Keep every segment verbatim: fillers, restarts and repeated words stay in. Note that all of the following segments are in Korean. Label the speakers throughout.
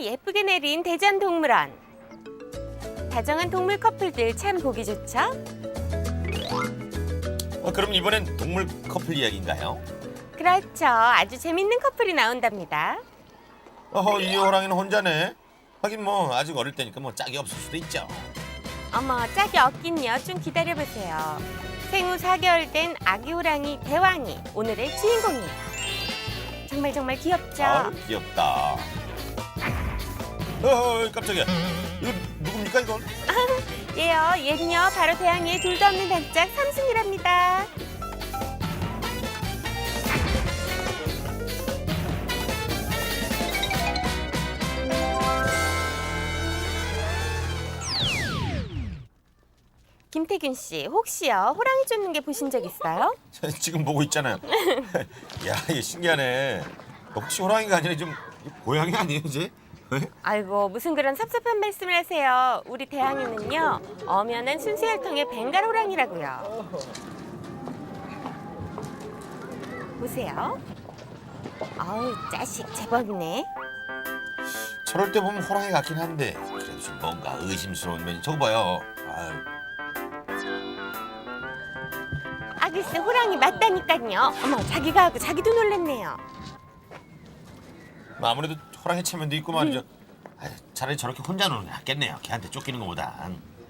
Speaker 1: 눈이 예쁘게 내린 대전동물원. 다정한 동물 커플들 참 보기 좋죠?
Speaker 2: 어, 그럼 이번엔 동물 커플 이야기인가요?
Speaker 1: 그렇죠. 아주 재밌는 커플이 나온답니다.
Speaker 2: 어허, 이 호랑이는 혼자네. 하긴 뭐 아직 어릴 때니까 뭐 짝이 없을 수도 있죠.
Speaker 1: 어머, 짝이 없긴요. 좀 기다려보세요. 생후 사 개월 된 아기 호랑이 대왕이 오늘의 주인공이에요. 정말 정말 귀엽죠?
Speaker 2: 아, 귀엽다. 어허, 깜짝이야. 이거 누굽니까 이건?
Speaker 1: 얘요, 얘는요 바로 대왕이의 둘도 없는 단짝 삼순이랍니다. 김태균 씨, 혹시요 호랑이 쫓는 게 보신 적 있어요?
Speaker 2: 지금 보고 있잖아요. 야, 이게 신기하네. 혹시 호랑이가 아니라 좀 고양이 아니에요, 이제?
Speaker 1: 아이고, 무슨 그런 섭섭한 말씀을 하세요. 우리 대왕이는요 엄연한 순수혈통의 벵갈 호랑이라고요. 보세요. 아우, 자식 제법이네.
Speaker 2: 저럴 때 보면 호랑이 같긴 한데 그래도 좀 뭔가 의심스러운 면이 저거 봐요. 아유.
Speaker 1: 아, 글쎄 호랑이 맞다니까요. 어머, 자기가 하고 자기도 놀랐네요.
Speaker 2: 뭐 아무래도 호랑이 체면도 있고 말이죠. 아유, 차라리 저렇게 혼자 노는 게 낫겠네요. 걔한테 쫓기는 것보다.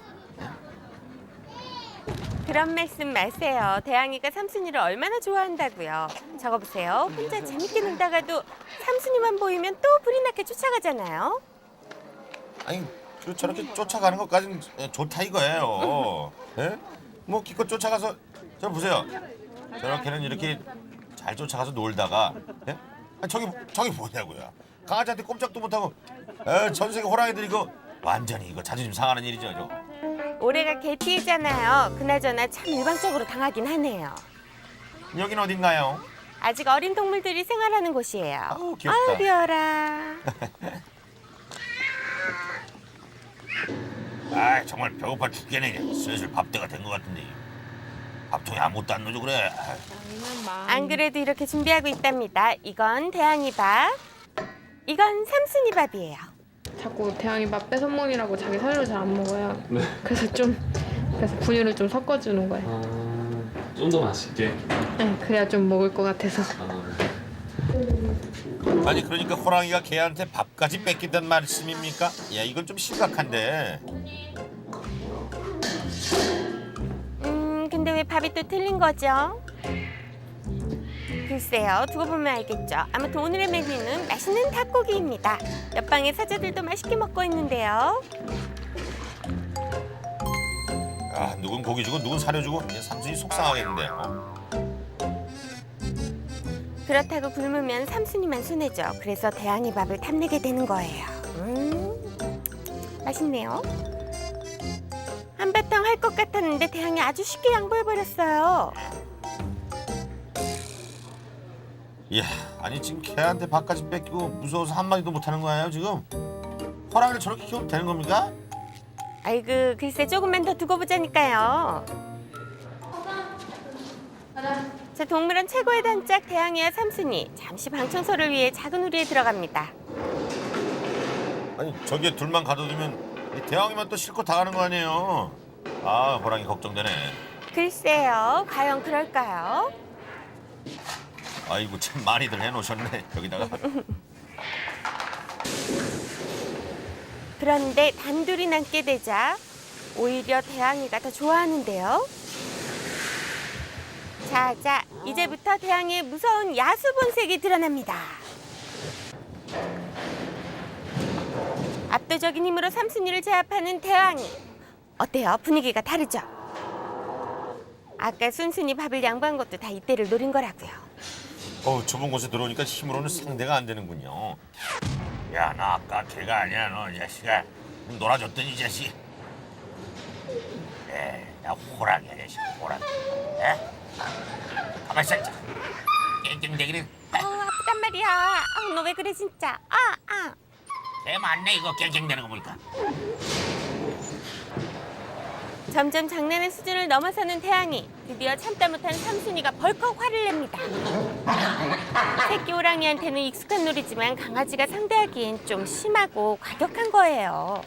Speaker 1: 그런 말씀 마세요. 대왕이가 삼순이를 얼마나 좋아한다고요. 저거 보세요. 혼자 재밌게 놀다가도 삼순이만 보이면 또 불이 나게 쫓아가잖아요.
Speaker 2: 아니, 그 저렇게 쫓아가는 것까지는 좋다 이거예요. 예? 뭐 기껏 쫓아가서 저 보세요. 저렇게는 이렇게 잘 쫓아가서 놀다가 예? 아니, 저기 저기 뭐냐고요. 강아지한테 꼼짝도 못하고 에, 전 세계 호랑이들 이거 완전히 이거 자존심 상하는 일이죠. 저거.
Speaker 1: 올해가 개티잖아요. 그나저나 참 일방적으로 당하긴 하네요.
Speaker 2: 여긴 어딘가요?
Speaker 1: 아직 어린 동물들이 생활하는 곳이에요.
Speaker 2: 아우, 귀엽다.
Speaker 1: 아우, 귀여라.
Speaker 2: 아, 정말 배고파 죽겠네. 이제. 슬슬 밥때가 된 것 같은데 밥통에 아무것도 안 넣어줘 그래.
Speaker 1: 안 그래도 이렇게 준비하고 있답니다. 이건 대왕이 밥, 이건 삼순이 밥이에요.
Speaker 3: 자꾸 대왕이 밥 뺏어 먹이라고 자기 사료를 잘 안 먹어요. 그래서 좀 그래서 분유를 좀 섞어주는 거예요.
Speaker 4: 아, 좀 더 맛있게.
Speaker 3: 네, 그래야 좀 먹을 것 같아서.
Speaker 4: 아,
Speaker 2: 아니 그러니까 호랑이가 개한테 밥까지 뺏긴단 말씀입니까? 야, 이건 좀 심각한데.
Speaker 1: 음, 근데 왜 밥이 또 틀린 거죠? 글쎄요, 두고 보면 알겠죠. 아무튼 오늘의 메뉴는 맛있는 닭고기입니다. 옆방의 사자들도 맛있게 먹고 있는데요.
Speaker 2: 아, 누군 고기 주고 누군 사료 주고 이제 삼순이 속상하겠는데요.
Speaker 1: 그렇다고 굶으면 삼순이만 손해죠. 그래서 대왕이 밥을 탐내게 되는 거예요. 음, 맛있네요. 한바탕 할 것 같았는데 대왕이 아주 쉽게 양보해버렸어요.
Speaker 2: 이야, 아니 지금 개한테 밥까지 뺏기고 무서워서 한마디도 못하는 거예요 지금? 호랑이를 저렇게 키워도 되는 겁니까?
Speaker 1: 아이고, 글쎄 조금만 더 두고 보자니까요. 자, 동물원 최고의 단짝 대왕이와 삼순이 잠시 방 청소를 위해 작은 우리에 들어갑니다.
Speaker 2: 아니 저기에 둘만 가둬두면 이 대왕이만 또 실컷 당하는 거 아니에요? 아, 호랑이 걱정되네.
Speaker 1: 글쎄요, 과연 그럴까요?
Speaker 2: 아이고 참 많이들 해놓으셨네 여기다가.
Speaker 1: 그런데 단둘이 남게 되자 오히려 대왕이가 더 좋아하는데요. 자, 자, 이제부터 대왕의 무서운 야수 본색이 드러납니다. 압도적인 힘으로 삼순이를 제압하는 대왕이. 어때요? 분위기가 다르죠? 아까 순순히 밥을 양보한 것도 다 이때를 노린 거라고요.
Speaker 2: 어, 좁은 곳에 들어오니까 힘으로는 상대가 안 되는군요. 야, 나 아까 걔가 아니야, 너 이 자식아. 놀아줬더니 이 자식. 에, 나 호랑이야, 이 자식, 호랑이. 에? 가만 있어, 진짜. 깽깽대기는.
Speaker 1: 어, 아프단 말이야. 어, 너 왜 그래 진짜. 아, 아.
Speaker 2: 개 맞네, 이거 깽깽대는 거 보니까.
Speaker 1: 점점 장난의 수준을 넘어서는 태양이. 드디어 참다 못한 삼순이가 벌컥 화를 냅니다. 새끼 호랑이한테는 익숙한 놀이지만 강아지가 상대하기엔 좀 심하고 과격한 거예요.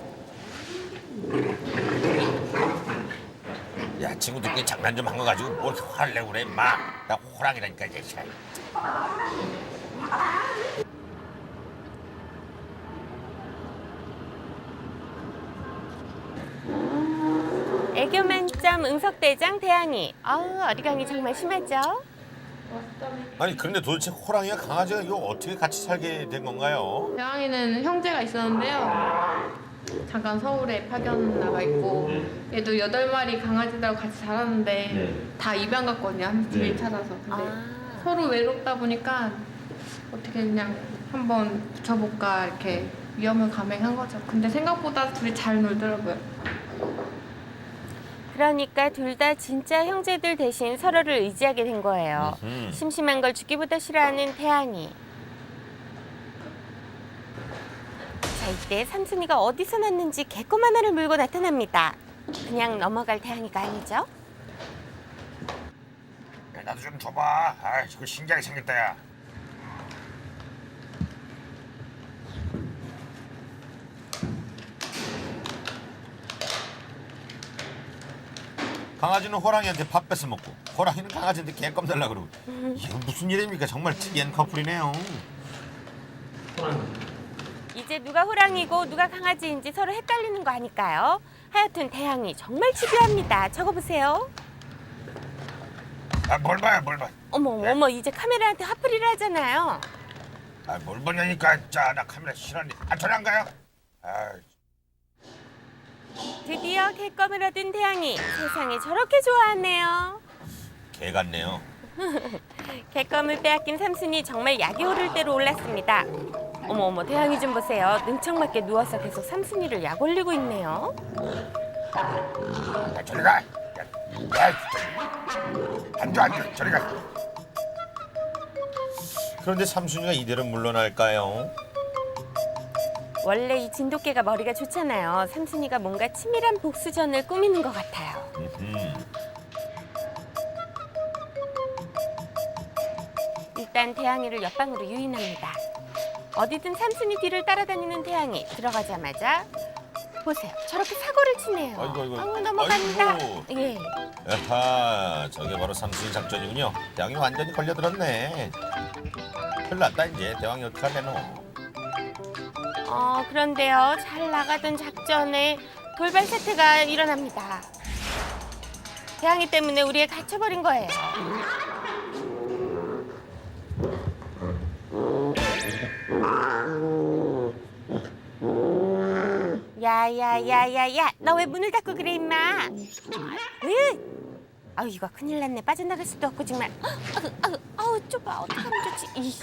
Speaker 2: 야 친구들끼리 장난 좀 한 거 가지고 뭘 화를 내고 그래 임마. 나 호랑이라니까 이제.
Speaker 1: 애교 만점 응석대장 태양이. 아우 어리광이 정말 심하죠?
Speaker 2: 아니 그런데 도대체 호랑이와 강아지가 이거 어떻게 같이 살게 된 건가요?
Speaker 3: 대왕이는 형제가 있었는데요. 잠깐 서울에 파견 나가 있고 얘도 여덟 마리 강아지들하고 같이 살았는데 다 입양 갔거든요. 한 집에
Speaker 4: 네.
Speaker 3: 찾아서. 근데
Speaker 1: 아.
Speaker 3: 서로 외롭다 보니까 어떻게 그냥 한번 붙여볼까 이렇게 위험을 감행한 거죠. 근데 생각보다 둘이 잘 놀더라고요.
Speaker 1: 그러니까 둘 다 진짜 형제들 대신 서로를 의지하게 된 거예요.
Speaker 2: 음흠.
Speaker 1: 심심한 걸 죽기보다 싫어하는 태양이. 자, 이때 삼순이가 어디서 났는지 개껌 하나를 물고 나타납니다. 그냥 넘어갈 태양이가 아니죠?
Speaker 2: 야, 나도 좀 줘봐. 아 이거 신기하게 생겼다 야. 강아지는 호랑이한테 밥 뺏어 먹고 호랑이는 강아지한테 개껌 달라 그러고 이게 무슨 일입니까? 정말 특이한 커플이네요.
Speaker 4: 호랑이.
Speaker 1: 이제 누가 호랑이고 누가 강아지인지 서로 헷갈리는 거 아닐까요? 하여튼 태양이 정말 집요합니다. 적어보세요.
Speaker 2: 아뭘 봐요 뭘 봐.
Speaker 1: 어머 어머 이제 카메라한테 화풀이를 하잖아요.
Speaker 2: 아뭘 보냐니까. 자 나 카메라 싫어하는데. 아 저리 안 가요? 아
Speaker 1: 드디어 개껌을 얻은 태양이. 세상에 저렇게 좋아하네요.
Speaker 2: 개 같네요.
Speaker 1: 개껌을 빼앗긴 삼순이 정말 약이 오를 대로 올랐습니다. 어머 어머 태양이 좀 보세요. 능청맞게 누워서 계속 삼순이를 약 올리고 있네요.
Speaker 2: 야 저리 가. 야, 야 진짜. 앉아 앉아 저리 가. 그런데 삼순이가 이대로 물러날까요?
Speaker 1: 원래 이 진돗개가 머리가 좋잖아요. 삼순이가 뭔가 치밀한 복수전을 꾸미는 것 같아요.
Speaker 2: 음.
Speaker 1: 일단 태양이를 옆방으로 유인합니다. 어디든 삼순이 뒤를 따라다니는 태양이. 들어가자마자 보세요. 저렇게 사고를 치네요.
Speaker 2: 아이고, 아이고.
Speaker 1: 아우, 넘어간다.
Speaker 2: 아이고.
Speaker 1: 예.
Speaker 2: 아하, 저게 바로 삼순이 작전이군요. 대왕이 완전히 걸려들었네. 큰일 났다 이제. 대왕이 어떡하려노.
Speaker 1: 어, 그런데요. 잘 나가던 작전에 돌발 사태가 일어납니다. 태양이 때문에 우리에 갇혀버린 거예요. 야야야야야, 너 왜 문을 닫고 그래 임마? 으! 아우 이거 큰일 났네. 빠져나갈 수도 없고 정말. 아우 아우 아우 좁아. 어떡하면 좋지? 이씨.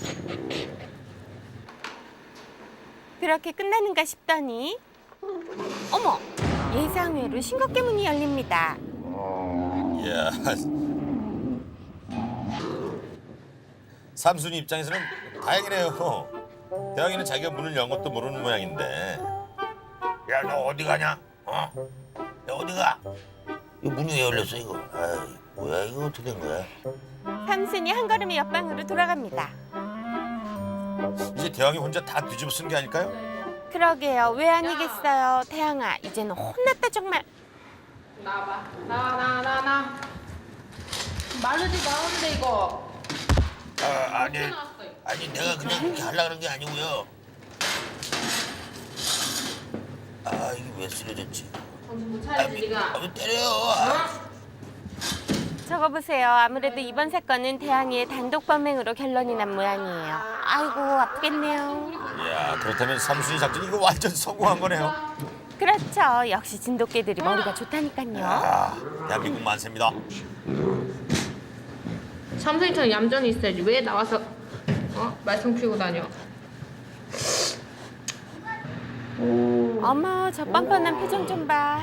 Speaker 1: 그렇게 끝나는가 싶더니 어머 예상외로 싱겁게 문이 열립니다.
Speaker 2: 이야. 삼순이 입장에서는 다행이네요. 대왕이는 자기가 문을 연 것도 모르는 모양인데. 야, 너 어디 가냐? 어? 너 어디 가? 이 문이 왜 열렸어 이거? 아이, 뭐야 이거 어떻게 된 거야?
Speaker 1: 삼순이 한 걸음에 옆방으로 돌아갑니다.
Speaker 2: 이제 대왕이 혼자 다 뒤집어 쓴 게 아닐까요?
Speaker 1: 그러게요. 왜 아니겠어요. 태양아 이제는 혼났다 정말.
Speaker 3: 나와봐. 나와 나와 나와 나. 마르지 나오는데 이거.
Speaker 2: 아, 아니, 아니 내가 그냥 그렇게 하려고 그런 게 아니고요. 아, 이게 왜 쓰러졌지?
Speaker 3: 정신 못
Speaker 2: 아,
Speaker 3: 차리지
Speaker 2: 미,
Speaker 3: 네가.
Speaker 2: 아, 왜 때려요? 아,
Speaker 1: 저거 보세요. 아무래도 이번 사건은 태양이의 단독 범행으로 결론이 난 모양이에요. 아이고 아프겠네요.
Speaker 2: 이야, 그렇다면 삼순이 작전 이거 완전 성공한 거네요.
Speaker 1: 그렇죠. 역시 진돗개들이 머리가 좋다니까요.
Speaker 2: 아, 대한민국 만세입니다.
Speaker 3: 삼순이처럼 얌전히 있어야지. 왜 나와서 어? 말썽 피우고 다녀?
Speaker 1: 어머 저 뻔뻔한 표정 좀 봐.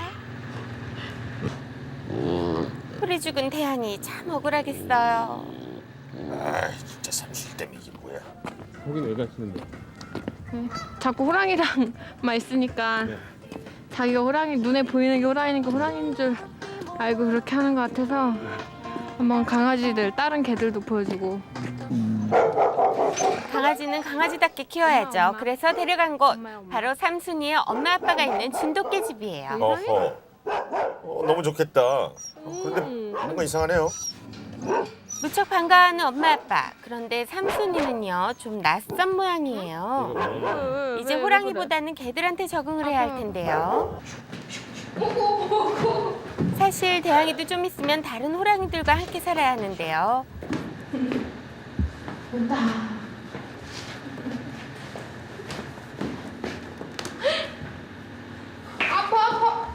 Speaker 1: 풀이 죽은 태양이 참 억울하겠어요.
Speaker 2: 아, 진짜 삼순이 때문에 이게 뭐야?
Speaker 4: 거긴 왜 가시는데?
Speaker 3: 자꾸 호랑이랑만 있으니까 자기가 호랑이 눈에 보이는 게 호랑이니까 호랑이인 줄 알고 그렇게 하는 것 같아서 한번 강아지들 다른 개들도 보여주고.
Speaker 1: 강아지는 강아지답게 키워야죠. 그래서 데려간 곳 바로 삼순이의 엄마 아빠가 있는 진돗개 집이에요.
Speaker 2: 어허. 어, 너무 좋겠다. 어, 그런데 뭔가 이상하네요.
Speaker 1: 무척 반가워하는 엄마 아빠. 그런데 삼순이는요 좀 낯선 모양이에요. 이제 호랑이보다는 개들한테 적응을 해야 할 텐데요. 사실 대왕이도 좀 있으면 다른 호랑이들과 함께 살아야 하는데요.
Speaker 3: 온다. 아파 아파.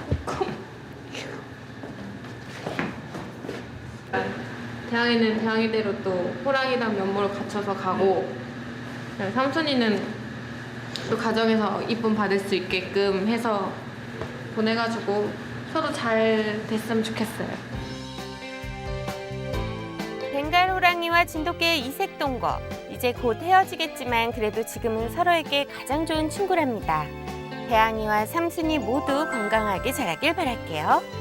Speaker 3: 대왕이는 대왕이대로 또 호랑이랑 면모를 갖춰서 가고, 삼순이는 또 가정에서 이쁨 받을 수 있게끔 해서 보내가지고 서로 잘 됐으면 좋겠어요.
Speaker 1: 벵갈 호랑이와 진돗개의 이색 동거. 이제 곧 헤어지겠지만 그래도 지금은 서로에게 가장 좋은 친구랍니다. 대왕이와 삼순이 모두 건강하게 자라길 바랄게요.